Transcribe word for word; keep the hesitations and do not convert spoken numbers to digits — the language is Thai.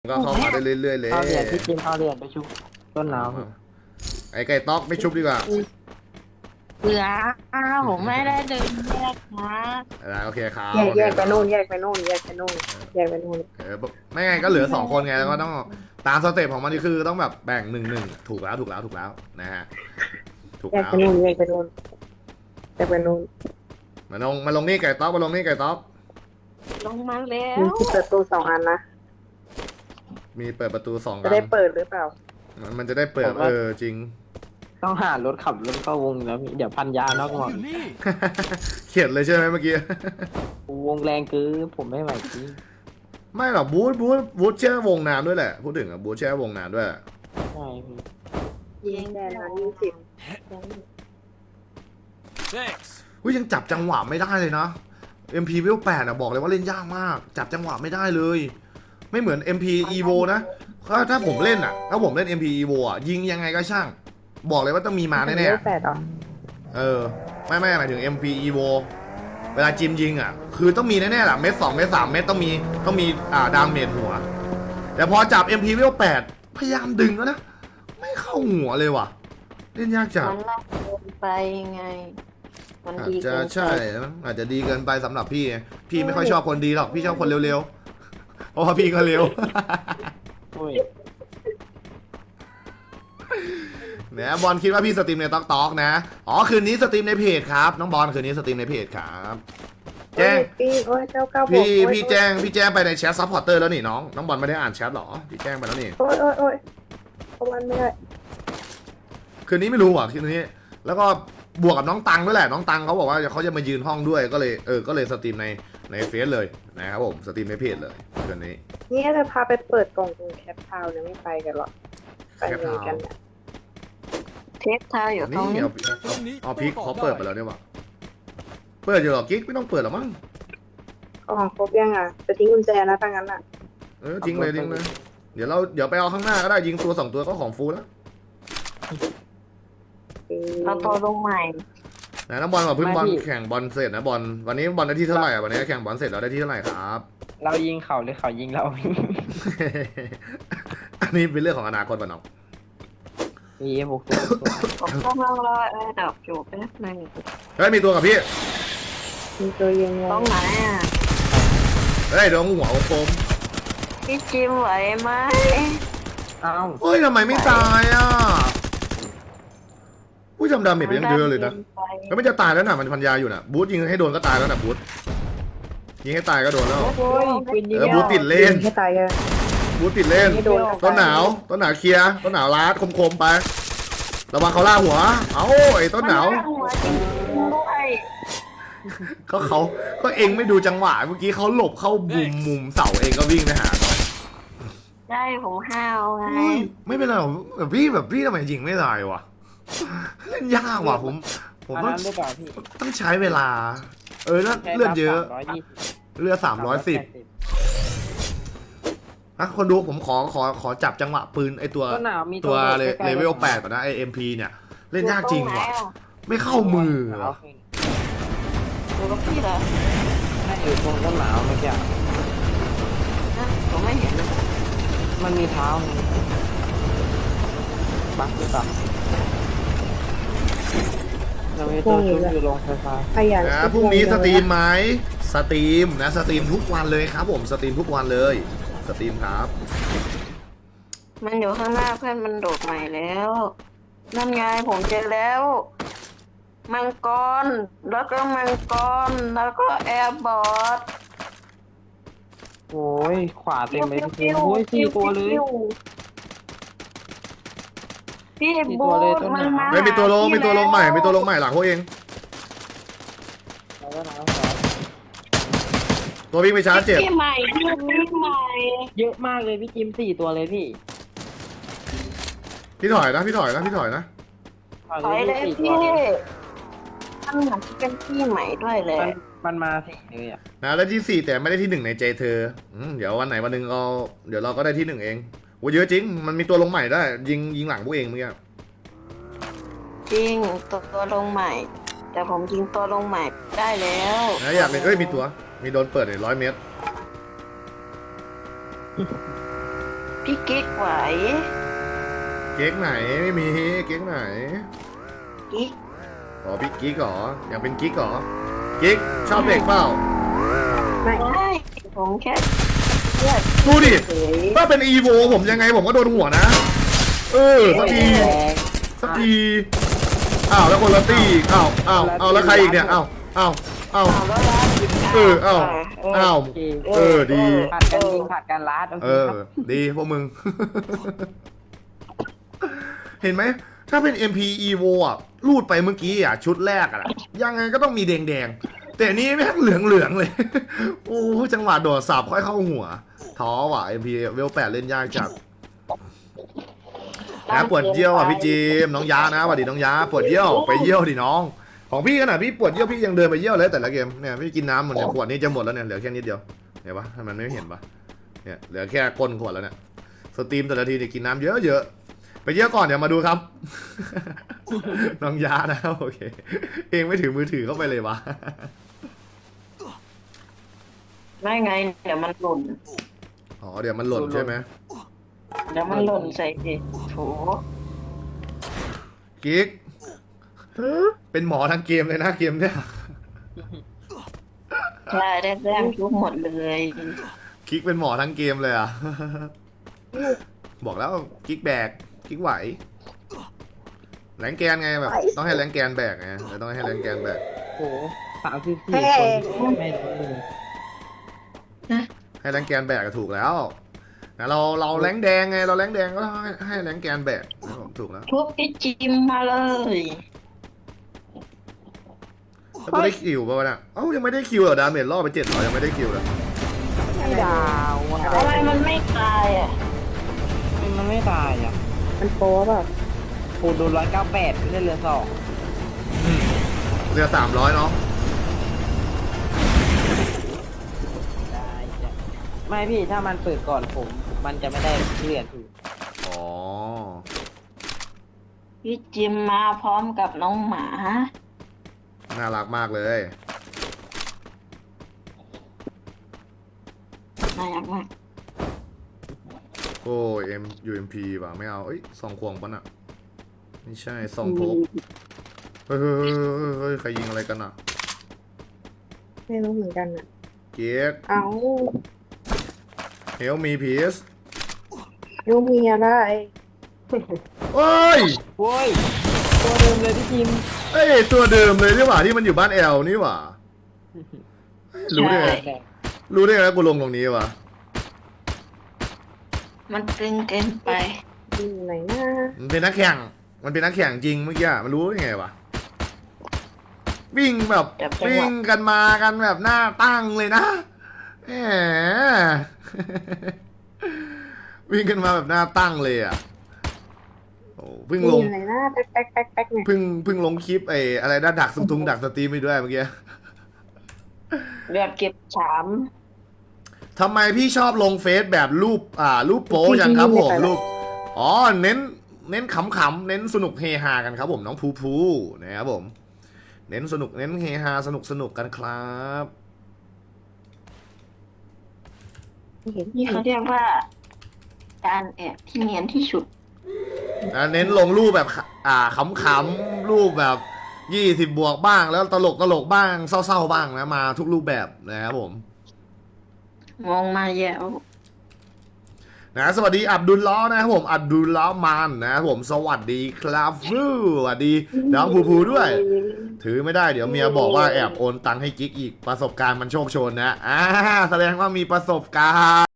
ก็เข้ามาได้เรื่อยๆเลยเข้าเรียนพี่จิมเข้าเรียนไปชุบต้นหนาวไอ้ไก่ต๊อกไม่ชุบดีกว่าเหลืออ้าวผมไม่ได้เดินแยกนะโอเคครับแยกแยกไปนู่นแยกไปนู่นแยกไปนู่นแยกไปนู่นเออไม่ไงก็เหลือสองคนไงแล้วก็ต้องตามสเต็ปของมันนี่คือต้องแบบแบ่งหนึ่งหนึ่งถูกแล้วถูกแล้วถูกแล้วนะฮะถูกแยกแล้วไปนู่นแยกไปนู่นแยกไปนู่นมาลงมาลงนี่ไก่ต๊อกมาลงนี่ไก่ต๊อกลงมาแล้วมีที่เปิดตู้สองอันนะมีเปิดประตูสองจะได้เปิดหรือเปล่ามันจะได้เปิดเออจริงต้องหารถขับรถเข้าวงแล้วเดี๋ยวพันยานอกหมดเขียนเลยใช่ไหมเมื่อกี้วงแรงคือผมไม่ไหวจริงไม่หรอกบูธบูธบูธแช่วงนานด้วยแหละพูดถึงอ่ะบูธแช่วงนานด้วยใช่พี่ยิงแดนนะยี่สิบอุ้ยยังจับจังหวะไม่ได้เลยนะ เอ็ม พี Level แปดอ่ะบอกเลยว่าเล่นยากมากจับจังหวะไม่ได้เลยไม่เหมือน เอ็ม พี Evo นะถ้าถ้าผมเล่นอ่ะถ้าผมเล่น เอ็ม พี Evo อ่ะยิงยังไงก็ช่างบอกเลยว่าต้องมีมาแน่ๆเออไม่ไม่หมายถึง เอ็ม พี Evo เวลาจิมยิงอ่ะคือต้องมีแน่ๆแหละเม็ดสองเม็ดสามเม็ดต้องมีต้องมีอ่าดาเมจหัวแต่พอจับ เอ็ม พี Level แปดพยายามดึงแล้วนะไม่เข้าหัวเลยว่ะเล่นยากจังมันลากเกินไปไงมันอาจดีจะเกินไปใช่อาจจะดีเกินไปสำหรับพี่พี่ไม่ค่อยชอบคนดีหรอกพี่ชอบคนเร็วๆเพราะว่าพี่ก็เร็วเนี่ยบอลคิดว่าพี่สตรีมในต๊อกต๊อกนะอ๋อคืนนี้สตรีมในเพจครับน้องบอลคืนนี้สตรีมในเพจครับแจ้งพี่โอ้ยเก้าเก้าพี่พี่แจ้งพี่แจ้งไปในแชทซัพพอร์เตอร์แล้วนี่น้องน้องบอลไม่ได้อ่านแชทหรอพี่แจ้งไปแล้วนี่โอ้ยโอ้ยโอ้ยเขาวันไม่ได้คืนนี้ไม่รู้อ่ะคืนนี้แล้วก็บวกกับน้องตังด้วยแหละน้องตังเขาบอกว่าเขาจะมายืนห้องด้วยก็เลยเออก็เลยสตรีมในในเฟซเลยนะครับผมสตรีมในเพจเลยคืนนี้นี่จะพาไปเปิดกล่องตรงแคปทาวน์เนี่ยไม่ไปกันหรอกไปเหมือนกันเนี่ยเทปเท้าอยู่ตรงนี้เอาพิกเขาเปิดไปแล้วเนี่ยว่ะเปิดอยู่หรอกิ๊กไม่ต้องเปิดหรอมั้งกล่องครบยังอ่ะจะทิ้งกุญแจนะถ้างั้นอ่ะเออทิ้งเลยทิ้งเลยเดี๋ยวเราเดี๋ยวไปเอาข้างหน้าก็ได้ยิงตัวสองตัวก็ของฟูแล้วเราตัวลงใหม่นะน้องบอลกับพึ่งบอลแข่งบอลเสร็จนะบอลวันนี้บอลได้ที่เท่าไหร่อ่ะวันนี้แข่งบอลเสร็จเราได้ที่เท่าไหร่ครับเรายิงเขาหรือเขายิงเราอันนี้เป็นเรื่องของอนาคตป่ะน้องมีหกตัวผมก็มารอแอร์ดับอยู่แป๊บนึงเฮ้ยมีตัวกับพี่มีตัวยิงตรงไหนอ่ะเฮ้ยโดนหัวโคมพี่จิมไหวไหมอ้าวเฮ้ยทำไมไม่ตายอ่ะผู้จำดาเมจไปยังเยอะเลยนะก็ไม่จะตายแล้วนะมันพันยาอยู่นะบูธยิงให้โดนก็ตายแล้วนะบูธยิงให้ตายก็โดนแล้วเออบูธติดเล่นให้ตายกันบูธติดเล่นต้นหนาวต้นหนาวเคลียร์ต้นหนาวลาดคมๆไประวังเขาล่าหัวเอ้าไอ้ต้นหนาวก็เขาก็เองไม่ดูจังหวะเมื่อกี้เขาหลบเข้ามุมมุมเสาเองก็วิ่งไปหาได้ผมห้าวไงไม่เป็นไรแบบพี่แบบพี่ทำไมยิงไม่ได้วะเล่นยากว่ะผมผมต้องต้องใช้เวลาเออแล้วเลือดเยอะเลือดสามร้อยสิบนะคนดูผมขอขอขอจับจังหวะปืนไอตัวตัวเลเวลแปดก่อนนะไอเอ็มพีเนี่ยเล่นยากจริงว่ะไม่เข้ามือตัวกับพี่เหรอไม่อยู่ตรงต้นหนาวเมื่อกี้นะผมไม่เห็นเลยมันมีเท้าบักหรือเปล่าเราไม่ตัวชุดอยู่โรงไฟฟ้านะพรุ่งนี้สตรีมไหมสตรีมนะสตรีมทุกวันเลยครับผมสตรีมทุกวันเลยสตรีมครับมันอยู่ข้างหน้าเพื่อนมันโดดใหม่แล้วนั่นไงผมเจอแล้วมังกรแล้วก็มังกรแล้วก็แอร์บอทโอ้ยขวาเต็มเลยพี่โอ้ยสี่ตัวเลยพี่บูธมันมาไม่มีตัวลงมีตัวลงใหม่มีตัวลงใหม่หลังพวกเองตัววิ่งไปชาร์จเจ็บพี่ใหม่พี่ใหม่เยอะมากเลยพี่จิมสี่ตัวเลยพี่พี่ถอยนะพี่ถอยนะพี่ถอยนะถอยเลยพี่มันเหมือนเป็นพี่ใหม่ด้วยเลยมันมาสี่เลยอ่ะนะแล้วที่สี่แต่ไม่ได้ที่หนึ่งในใจเธอเดี๋ยววันไหนวันหนึ่งเราเดี๋ยวเราก็ได้ที่หนึ่งเองโอ้เยอะจริงมันมีตัวลงใหม่ได้ยิงยิงหลังพวกเองเมื่อกี้จริงตัวตัวลงใหม่แต่ผมยิงตัวลงใหม่ได้แล้วนะอยากเป็นเอ้ยมีตัวมีโดนเปิดเลยร้อยเมตรพี่กิ๊กไหวเก๊กไหนไม่มีเก๊กไหนกิ๊กอ๋อพี่กิ๊กเหรออยากเป็นกิ๊กเหรอกิ๊กชอบเด็กเปล่าไม่ได้ผมแค่เลือดดูดิเฉยถ้าเป็นอีโวผมยังไงผมก็โดนหัวนะ เออสักทีสักทีอ้าวแล้วคนละตีอีกอ้าวอ้าวอ้าวแล้วใครอีกเนี่ยอ้าวอ้าวอ้าวเอาแล้วนะเอออ้าวอ้าวโอเคเออดีผัดกันยิงผัดกันลัดโอเคเออครับดีพวกมึง เห็นไหม ถ้าเป็น เอ็ม พี Evo อ่ะรูดไปเมื่อกี้อ่ะ ชุดแรกอ่ะ ยังไงก็ต้องมีแดงๆ แต่อันนี้แม่งเหลืองๆเลย โอ้จังหวะโดดสับค่อยเข้าหัว ท้อว่ะ เอ็ม พี เวลแปดเล่นยากจัดนะปวดเยี่ยวอ่ะพี่จีมน้องยานะสวัสดีน้องยาปวดเยี่ยวไปเยี่ยวดิน้อง ของพี่ขนาดพี่ปวดเยี่ยวพี่ยังเดินไปเยี่ยวเลยแต่ละเกมเนี่ยพี่กินน้ำหมดเนี่ยขวดนี้จะหมดแล้วเนี่ยเหลือแค่นิดเดียวเห็นปะทำไมมันไม่เห็นปะเนี่ยเหลือแค่ก้นขวดแล้วเนี่ยสตรีมแต่ละทีเนี่ยกินน้ำเยอะๆไปเยี่ยวก่อนเดี๋ยวมาดูครับ น้องยานะโอเคเองไม่ถือมือถือเข้าไปเลยวะไม่ไง เดี๋ยวมันหล่นอ๋อเดี๋ยวมันหล่นใช่ไหมเดี๋ยวมันหล่นใส่เด็กโถกิ๊กเป็นหมอทั้งเกมเลยนะเกมเนี่ยใช่ได้แต้มทุกหมดเลยกิ๊กเป็นหมอทั้งเกมเลยอ่ะ บอกแล้วกิ๊กแบกกิ๊กไหวแรงแกนไงแบบต้องให้แรงแกนแบกไงแต่ต้องให้แรงแกนแบกโอ้โหสามสิบสี่คนไม่รู้เลยให้แรงแกนแบกก็ถูกแล้วนะเราเราแรงแดงไงเราแรงแดงก็ให้ให้แรงแกนแบกถูกแล้วทุบพี่จิมมาเลยแล้วกูได้คิวป่ะวะเนี่ยเอ้ายังไม่ได้คิวเหรอดาเมจล่อไปเจ็ดร้อยยังไม่ได้คิวเลยไม่ดาวอ่ะทำไมมันไม่ตายอ่ะมันไม่ตายอ่ะมันโป๊ะแบบปูโดนร้อยเก้าแปดไม่ได้เรือสองเรือสามร้อยเนาะได้จ้ะไม่พี่ถ้ามันเปิดก่อนผม มันจะไม่ได้เลือดถูกอ๋อพี่จิมมาพร้อมกับน้องหมาน่ารักมากเลยน่ารักมากโอ้เอ็มยูเอ็มพีป่ะไม่เอาเอ้ยซองควงปะน่ะไม่ใช่ซองพกเฮ้ยเฮ้ยเฮ้ยเฮ้ยเฮ้ยใครยิงอะไรกันอ่ะไม่รู้เหมือนกันอ่ะเก๊กเอาเฮลมีพีซยูมีอะไรเอ้ยโว้ยตัวเดิมเลยพี่จิมเอ้ยตัวเดิมเลยนี่หว่าที่มันอยู่บ้านแอลนี่หว่ารู้ได้ไงใช่รู้ได้ไงว่ากูลงตรงนี้วะมันตึงเกินไปอยู่ไหนนะมันเป็นนักแข่งมันเป็นนักแข่งจริงเมื่อกี้อะมันรู้ได้ไงวะวิ่งแบบจับจังหวะวิ่งกันมากันแบบหน้าตั้งเลยนะแหม วิ่งกันมาแบบหน้าตั้งเลยอ่ะโอ้เพิ่งอลงยู่ไหนนะแป๊กแป๊กแป๊กแป๊กเนี่ยเพิ่งเพิ่งลงคลิปไอ้อะไรนะดักซุงทุงดักสตรีมไปด้วยเมื่อกี้เลือดเก็บสามทำไมพี่ชอบลงเฟซแบบรูปอ่ารูปโป๊อย่างครับผมรูปอ๋อเน้นเน้นขำๆเน้นสนุกเฮฮากันครับผมน้องภูภูนะครับผม เน้นสนุกเน้นเฮฮาสนุกสนุกกันครับไม่เห็นนี่เขาเรียกว่า การแอบที่เนียนที่สุดอ่าเน้นลงรูปแบบอ่าขำๆรูปแบบยี่สิบบวกบ้างแล้วตลกตลกบ้างเศร้าๆบ้างนะมาทุกรูปแบบนะครับผมมองมาแย่วนะสวัสดีอับดุลล้อฮ์นะครับผมอับดุลล้อฮ์มานนะครับผมสวัสดีครับฟูสวัสดีน้องภูภูด้วย ถือไม่ได้เดี๋ยวเมียบอกว่าแอบโอนตังค์ให้กิ๊กอีกประสบการณ์มันโชคโชนนะอ่าแสดงว่ามีประสบการณ์